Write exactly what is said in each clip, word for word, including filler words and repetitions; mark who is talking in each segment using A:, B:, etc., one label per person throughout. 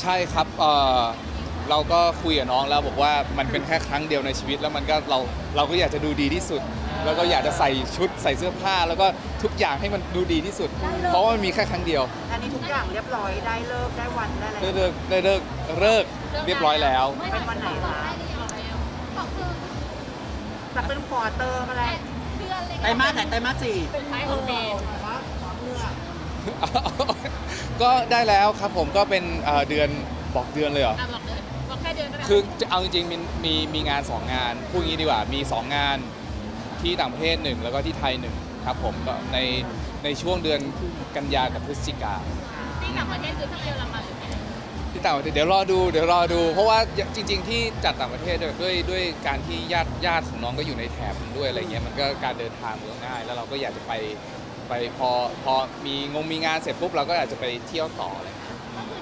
A: ใช่ครับเออเราก็คุยกับน้องแล้วบอกว่ามันเป็นแค่ครั้งเดียวในชีวิตแล้วมันก็เราเราก็อยากจะดูดีที่สุด แล้วก็อยากจะใส่ชุดใส่เสื้อผ้าแล้วก็ทุกอย่างให้มันดูดีที่สุด เพราะว่ามันมีแค่ครั้งเดียว
B: อันนี้ทุกอย่างเรียบร้อยได้เลิกได้วันได้อะไร
A: ได้เลิกได้เลิกเลิกเรียบร้อยแล้ว
B: เป็นวันไหนคะจะเป็นควอเตอร์อะไร
C: ไตรมาสไหนไตรมาสสี่
D: เป็นท้ายของปี
A: ก็ได้แล้วครับผมก็เป็นเอ่อเดือนบอกเดือนเลยเหรอ
D: อ่ะบอกเลยบอกแค่เดือนก็ได้
A: คือจะเอาจริงๆมีมีมีงานสองงานพูดงี้ดีกว่ามีสองงานที่ต่างประเทศหนึ่งแล้วก็ที่ไทยหนึ่งครับผมก็ในในช่วงเดือนกันยากับพฤศจิกา
D: ที่ต่างประเทศคือที่เยอรมันหรือไง
A: ที่ต่างประเทศเดี๋ยวรอดูเดี๋ยวรอดู เพราะว่าจริง ๆ ที่จัดต่างประเทศด้วยด้วยด้วยการที่ญาติญาติของน้องก็อยู่ในแถบนั้นด้วยอะไรเงี้ยมันก็การเดินทางมันก็ง่าย แล้วเราก็อยากจะไปไปพอพอมีงงมีงานเสร็จปุ๊บเราก็อาจจะไปเที่ยวต่ออะไรเงี้ย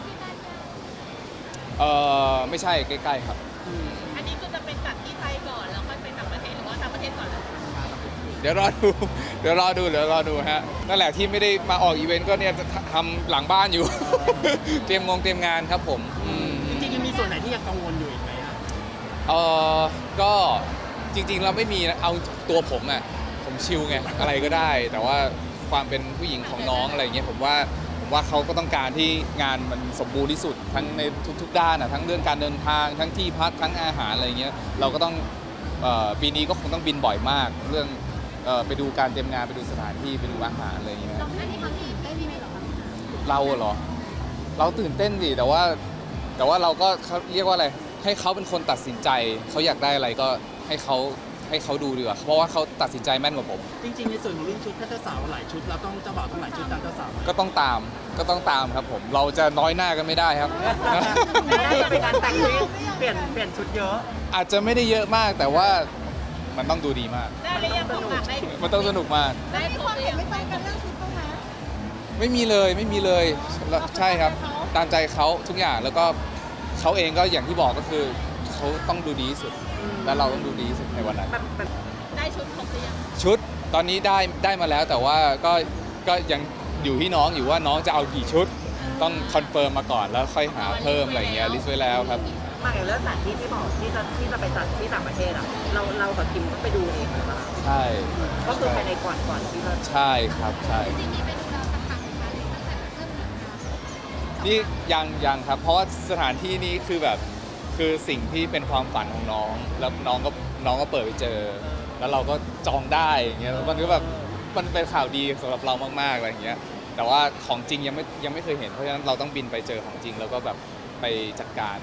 A: เออไม่ใช่ใกล้ๆครับ
D: อันนี้คือจะเป็นจัดที่ไทยก่อนแล้วค่อยไปต่างประเทศหรือว่าต่างประเทศก่อนแล้ว
A: เดี๋ยวรอดู เดี๋ยวรอดู เดี๋ยวรอดูฮะ นั่นแหละที่ไม่ได้มาออกอีเวนต์ก็เนี่ยจะทำหลังบ้านอยู่ เตรียมงงเตรียมงานครับผมอืม
C: จริงๆยังมีส่วนไหนที่ยังกังวลอยู่อีกไหมอะ
A: เออก็จริงๆเราไม่มีนะเอาตัวผมอะผมชิลไงอะไรก็ได้ แต่ว่าความเป็นผู้หญิงของน้องอะไรเงี้ยผมว่าผมว่าเขาก็ต้องการที่งานมันสมบูรณ์ที่สุดทั้งในทุกๆด้านอะทั้งเรื่องการเดินทางทั้งที่พักทั้งอาหารอะไรเงี้ยเราก็ต้องเอ่อปีนี้ก็คงต้องบินบ่อยมาก เรื่องเอ่อไปดูการเตรียมงานไปดูสถานที่ไปดูอาหารอะไรเงี้ย
D: เราไม่ได้ทำที่ได้ที่ไหนหรอคะ
A: เราเหรอ เราตื่นเต้นดิแต่ว่าแต่ว่าเราก็เขาเรียกว่าอะไรให้เขาเป็นคนตัดสินใจเขาอยากได้อะไรก็ให้เขาให้เขาดูดีกว่าเพราะว่าเขาตัดสินใจแม่นกว่าผม
C: จริงๆในส่วนของเรื่องชุดถ้าเจ้าสาวหลายชุดเราต้องเจ้าบ่าวต้องหลายชุดตามเจ้าสาวไหม
A: ก็ต้องตามก็ต้องตามครับผม เราจะน้อยหน้ากันไม่ได้ครับ
B: ไม่ได้เป็นการแต่งที่เปลี่ยนเปลี่ยนชุดเยอะ
A: อาจจะไม่ได้เยอะมากแต่ว่ามันต้องดูดีมาก
D: ได้หรือยังของหลักได้
A: มันต้องสนุกมาก
D: ได้ตัวหรือยังไม่ตรงกันเรื่องชุดต้องนะ
A: ไม่มีเลยไม่มีเลยใช่ครับ ตามใจเขาทุกอย่างแล้วก็เขาเองก็อย่างที่บอกก็คือเขาต้องดูดีที่สุด และเราต้องดูดีที่สุดในวันนั้น
B: แบบแบบ
D: ได้ชุดครบหรือยัง
A: ชุดตอนนี้ได้ได้มาแล้วแต่ว่าก็ก็ยังอยู่ที่น้องอยู่ว่าน้องจะเอากี่ชุด ต้องคอนเฟิร์มมาก่อนแล้วค่อยหาเพิ่มอะไรเงี้ยลิสต์ไว้แล้วครับ
B: มาอย่างเรื่องสถานที่ที่บอกที่จะที่จะไปจัดที่ต่างประเทศอ่ะเราเรากับคิมก็ไปดูเองหรือเปล่า
A: ใช่
B: ก็คือภายในก่อนก่อนที่จะ
A: ใช่ครับใช่
D: จริงๆไปดูเราสักครั้งไหมคะตั้งแต่เริ่มมีงาน
A: นี่ยังยังครับ เพราะว่าสถานที่นี้คือแบบคือสิ่งที่เป็นความฝันของน้อง แล้วน้องก็น้องก็เปิดไปเจอ แล้วเราก็จองได้อย่างเงี้ยมันก็แบบมันเป็นข่าวดีสำหรับเรามากๆอะไรอย่างเงี้ยแต่ว่าของจริงยังไม่ยังไม่เคยเห็นเพราะฉะนั้นเราต้องบินไปเจอของจริง แล้วก็แบบไปจัดการ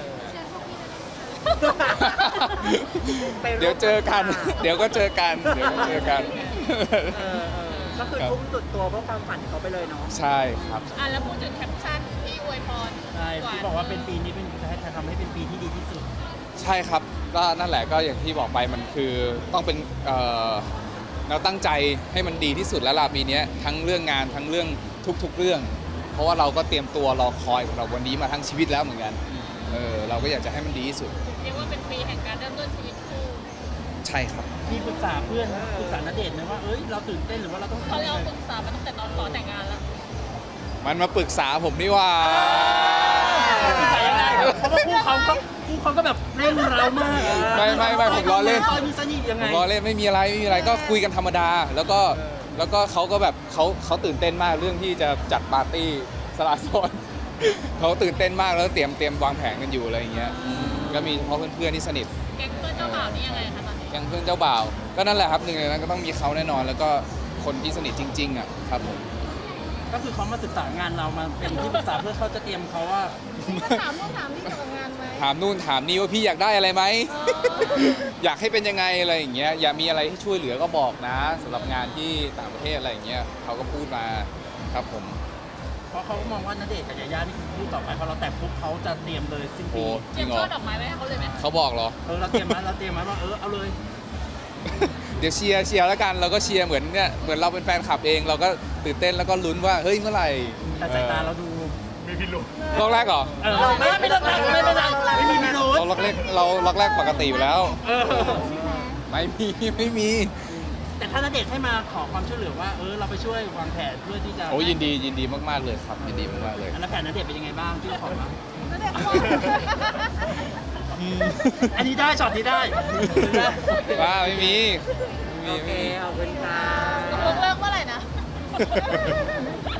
B: ไปร่ม
A: เดี๋ยวเจอกัน เดี๋ยวก็เจอกัน เดี๋ยวก็เจอกัน
B: เออเออก็คือทุ่มสุดตัวเพื่อความฝันของเขาไปเลยเนาะ
A: ใช่ครับ
D: อ่ะแล้วพูดถึงแคปชั่นที่อวยพร
C: ใช่ที่บอกว่าเป็นปีนี้เป็นจะทำให้เป็นปีที่ดีที่สุด
A: ใช่ครับก็นั่นแหละก็อย่างที่บอกไปมันคือต้องเป็นเอ่อเราตั้งใจให้มันดีที่สุดแล้วล่ะปีเนี้ยทั้งเรื่องงานทั้งเรื่องทุกๆเรื่อง เพราะว่าเราก็เตรียมตัวรอคอยสำหรับวันนี้มาทั้งชีวิตแล้วเหมือนกันเออเราก็อยากจะให้มันดีที่สุด
D: เรียกว่าเป็นปีแห่งการเริ่มต้นชีวิตคู่
A: ใช่ครับ
C: มีปรึกษาเพื่อนปรึกษาณเดชน์ไหมว่าเอ้ยเราตื่นเต้นหรือว่าเราต้อง
D: เขา
C: ทำ
D: เรีย
C: ยั
D: ก
C: งไง
D: ว่าปรึกษามาตั้งแต่ตอนขอแต่งงานแล้ว
A: มันมาปรึกษาผมนี่ว่า
C: ปรึกษายังไงเพราะว่าคู่เขาก็คู่เขาก็แบบเร่งเรามาก
A: ไม่ไม่ไม่ผมล้อเล่น
C: ซอยมีสนิทยัง
A: ผ
C: ไง
A: มล้อเล่นไม่มีอะไรไม่มีอะไรก็คุยกันธรรมดา แล้วก็แล้วก็เขาก็แบบเขาเขาตื่นเต้นมากเรื่องที่จะจัดปาร์ตี้สละโสด เขาตื่นเต้นมากแล้วเตรียมเตรียมวางแผนกันอยู่อะไรอย่างเงี้ยอืมก็มีเฉพาะเพื่อนๆที่สนิท
D: แก๊งเพื่อนเจ้าบ่าวนี่ยังไงคะตอนนี้
A: อย่างเพื่อนเจ้าบ่าว ก็นั่นแหละครับหนึ่งในนั้นก็ต้องมีเขาแน่นอน แล้วก็คนที่สนิทจริงๆอ่ะครับผม
C: ก็คือเขามาศึกษางานเรามาเป็นที่ปรึกษาเพื่อเขาจะเตรียมเขาว่า
D: ถามต้องถามที่เกี่ยวกับงานไหม
A: ถามนู่นถามนี่ว่าพี่อยากได้อะไรไหม อยากให้เป็นยังไงอะไรอย่างเงี้ยอยากมีอะไรที่ช่วยเหลือก็บอกนะสำหรับงานที่ต่างประเทศอะไรอย่างเงี้ยเขาก็พูดมาครับผม
C: เพราะเขาก็มองว่าณเดชน์กับยาย่านี่คือคู่ต่อไปพอเราแต่งปุ๊บเขาจะเตรียมเลยสิ้น
A: โอ้
C: ปี
A: จ
D: เตรี
A: ริ
D: ยม
A: งเหร
D: ช่
A: อ
D: อดอกไม้ไว้ให้เขาเลยไหม
A: เขาบอกเหรอ
C: เออเราเตรียมไหมเราเตรียมไหมว่าเออเอาเลย
A: เดี๋ยวเชียร์เชียร์แล้วกันเราก็เชียร์เหมือนเนี่ยเหมือนเราเป็นแฟนคลับเอง เราก็ตื่นเต้นแล้วก็ลุ้นว่าเฮ้ยเมื่อไหร่
C: แต่สายตาเราดู
A: รอบแรกเหรอ
C: เออเราไม่ไม่ต้องแต่งไม่เป็นไรไม่มีพิรุธ
A: เราล็อกแรกเราล็อกแรกปกติอยู่แล้ว
C: เออ
A: ไม่มี ไม่มี
C: แต่ถ้าณเดชน์ให้มาขอความช่วยเหลือว่าเออเราไปช่วยวางแผนเพื่อที่จะ
A: โอ้ยินดียินดีมากๆเลยครับยินดีมากๆเลย
C: แล้วแผนณเดชน์เป็นยังไงบ้างที่ขอมา
D: ก็เด็กว่า
C: อันนี้ได้ช็อตนี้ได้ได้
A: ว่าไม่มีไม่
B: โอ
A: มี
B: เค
A: ไม่มี
B: ขอบคุณค่ะ
D: ตกลงเลิกเมื่อไหร่นะ